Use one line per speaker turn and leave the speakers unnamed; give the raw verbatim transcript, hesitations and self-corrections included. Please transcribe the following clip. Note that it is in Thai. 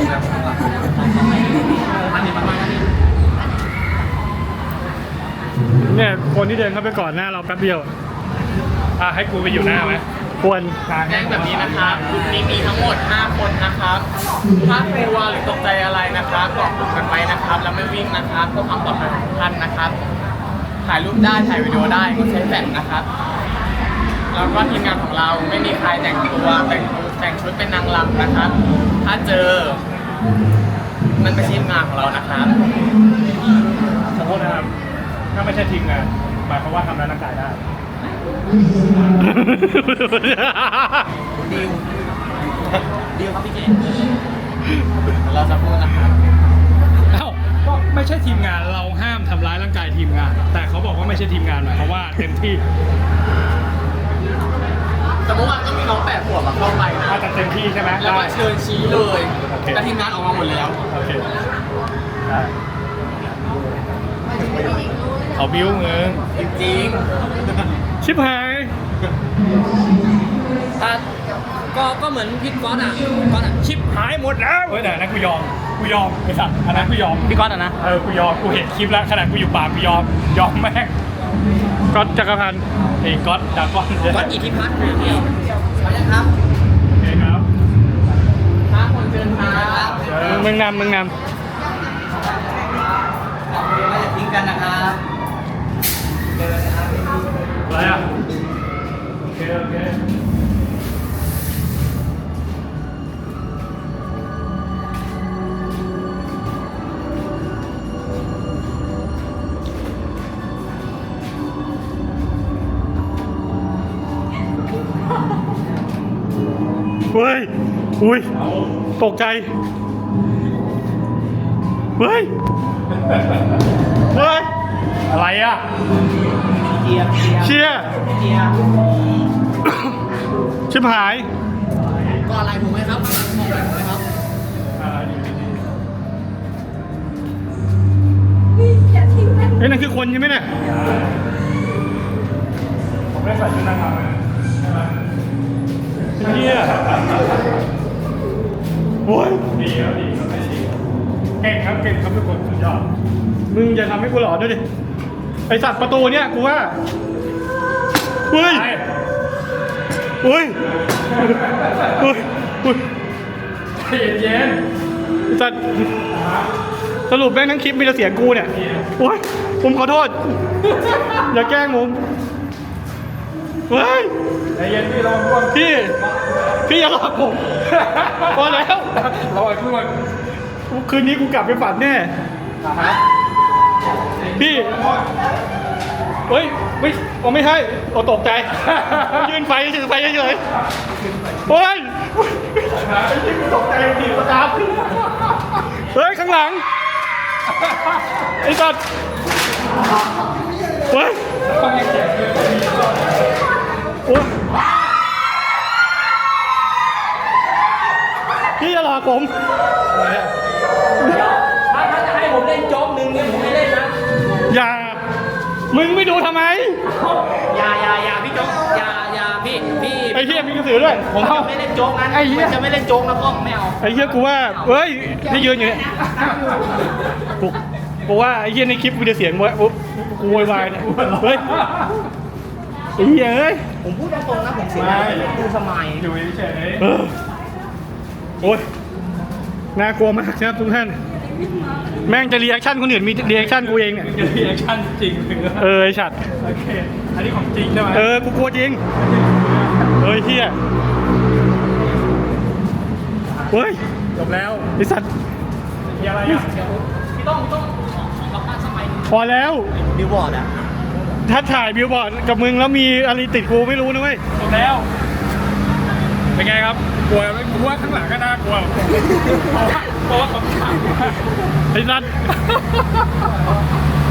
เนี่ยคนที่เดินเข้าไปก่อนหน้าเราแป๊บเดียวอ่ะให้กูไปอยู่หน้าไหมควร
แจ้งแบบนี้นะครับกลุ่มนี้มีทั้งหมดห้าคนนะครับถ้ากลัวหรือตกใจอะไรนะครับเกาะกลุ่มกันไว้นะครับแล้วไม่วิ่งนะครับเพื่อความปลอดภัยของท่านนะครับถ่ายรูปได้ถ่ายวิดีโอได้ก็ใช้แฟลชนะครับแล้วก็ทีมงานของเราไม่มีใครแต่งตัวแต่งแต่งชุดเป็นนางรำนะครับถ้าเจอมันไม่ใช่ทีมงานของเรานะครับ
ขอโทษนะครับถ้าไม่ใช่ทีมงานหมายความว่าทำร้ายร่างกายได้
ดิวดิวครับพี่เจเราจะพูดนะครับ
เอ้าก็ไม่ใช่ทีมงานเราห้ามทำร้ายร่างกายทีมงานแต่เขาบอกว่าไม่ใช่ทีมงานหมายความว่าเต็มที่
แต่เมื่อวานก็มีน้องแปดขวบมาเข้าไปนะ
แต่เต็มที่ใช่ไหม
แล้วก็เชิญชี้เลยแต่ทีมงานออกมาหมดแล้ว
โอเคเขาบิ้วเงิน
จริง
ๆชิบหาย
ก็ก็เหมือนพี่ก๊อตอ่ะก๊อตอ่ะชิป
หายหมดแล้วเฮ้ยแต่นั้นกูยอมกูยอมไอ้สัตว์อันนั้นกูยอม
พี่ก๊อตอ่ะนะ
เออกูยอมกูเห็นคลิปแล้วขนาดกูอยู่ป่ากูยอมยอมแม่งก๊อตจักรพันธ์ไอ้ก๊อตจากก๊อต
ก๊อตอิทธิพัฒน์นะพี่ใช่ครับ
โอเคครับ
ห้าคนเชิญครับ
มึงนำมึงนำ
ไม่จะทิ้งกันนะครับ
อะไรอ่ะโอเคโอเคเฮ้ยอุ้ยตกใจเฮ้ยเฮ้ยอะไรอ่ะ
เชียร์
เชียร์
เชียร์
ชิบหาย
ก็อะไรถูกไหมครับมองอะไรถูกไหมครับ
เฮ้ยนั่นคือคนใช่ไหมเนี่ยผมไม่ใส่ชุดนางงามเลยเฮียโอ้ยดีครับดีครับเก่งครับเก่งครับทุกคนสุดยอดมึงอย่าทำให้กูหลอนด้วยดิไอสัตว์ประตูเนี่ยกูว่าเฮ้ยเฮ้ยเฮ้ยเฮ้ยเย็นๆไอสัตว์สรุปแม่งทั้งคลิปมีแต่เสียงกูเนี่ยโอ้ยผมขอโทษอย่าแกล้งผมเฮ้ยใจเย็นพี่รอร่วงพี่พี่อย่าหลอกผมพอแล้วรอร่วงคืนนี้กูกลับไปฝันแน่พี่เฮ้ยไม่โอ้ไม่ใช่โอ้ตกใจยืนไฟถือไฟเฉยๆเฮ้ยตกใจดีประจับเฮ้ยข้างหลังไอ้สัตว์เฮ้ยพี่จะหลอกผม
ถ้าจะให้ผมเล่นโจ๊กหนึ่งเนี่ยผมไม่เล่นนะ
อย่ามึงไม่ดูทำไม
อย่าอย่าอย่าพี่โจ๊กอย่าอย่าพี่พี่
ไอ้เหี้ยมีกระสือด้วย
ผมจะไม่เล่นโจ๊กนั้นไอ้เหี้ยจะไม่เล่นโจ๊กนะพ่อไม่เอา
ไอ้เหี้ยกูว่าเฮ้ยที่ยืนอยู่เนี่ยกูกูว่าไอ้เหี้ยในคลิปมีแต่เสียงวะปุ๊บกูโวยวายเนี่ยเฮ้ยไอ้เหี้ยเอ้ย
ผมพูดตรงๆนะผมเสียดูสมัย
อยู่เฉยโอ้ยน่ากลัวมากนะครับทุกท่านแม่งจะรีแอคชั่นคนอื่นมีรีแอคชั่นกูเองเนี่ยจะรีแอคชั่นจริงเออไอ้ฉัดโอเคอันนี้ของจริงใช่ไหมเออกูกลัวจริงเฮ้ยเฮียเฮ้ยจบแล้วไอ้สัตว์มีอะไรอ่ะ
พี่ต้องต้องของกับป้าสมัย
พอแล้ว
บิวบอร์ดอ่ะ
ถ้าถ่ายบิวบอร์ดกับมึงแล้วมีอะไรติดกูไม่รู้นะเว้ยจบแล้วเป็นไงครับกลัวไหมกลัวข้างหลังก็น่ากลัวเพราะว่าเพราะว่าเขาถ่ายไอ้สัตว์